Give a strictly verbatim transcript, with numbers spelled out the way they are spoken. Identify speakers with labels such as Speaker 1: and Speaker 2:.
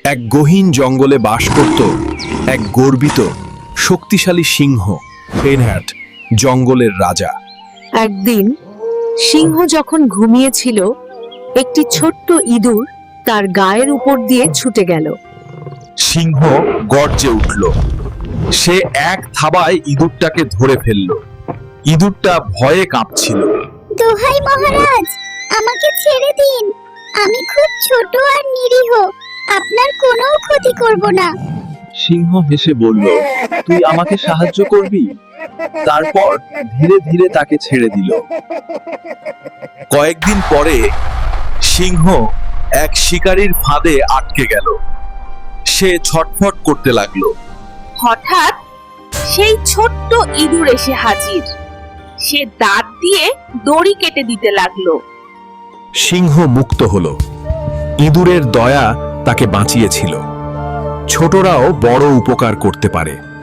Speaker 1: এক গহীন জঙ্গলে বাস করত এক গর্বিত শক্তিশালী সিংহ পেনহ্যাট, জঙ্গলের রাজা।
Speaker 2: একদিন সিংহ যখন ঘুমিয়েছিল, একটি ছোট্ট ইঁদুর তার গায়ের উপর দিয়ে ছুটে গেল।
Speaker 1: সিংহ গর্জে উঠল। সে এক থাবায় ইঁদুরটাকে ধরে ফেলল। ইঁদুরটা ভয়ে কাঁপছিল।
Speaker 3: দোহাই মহারাজ, আমাকে ছেড়ে দিন। আমি খুব ছোট আর নিরীহ, আপনার কোনো ক্ষতি করব না।
Speaker 1: সিংহ হেসে বলল, তুই আমাকে সাহায্য করবি? তারপর ধীরে ধীরে তাকে ছেড়ে দিল। কয়েকদিন পরে সিংহ এক শিকারীর ফাঁদে আটকে গেল। সে ছটফট করতে লাগলো।
Speaker 2: হঠাৎ সেই ছোট্ট ইঁদুর এসে হাজির। সে দাঁত দিয়ে দড়ি কেটে দিতে লাগলো।
Speaker 1: সিংহ মুক্ত হলো। ইঁদুরের দয়া তাকে বাঁচিয়েছিল। ছোটরাও বড় উপকার করতে পারে।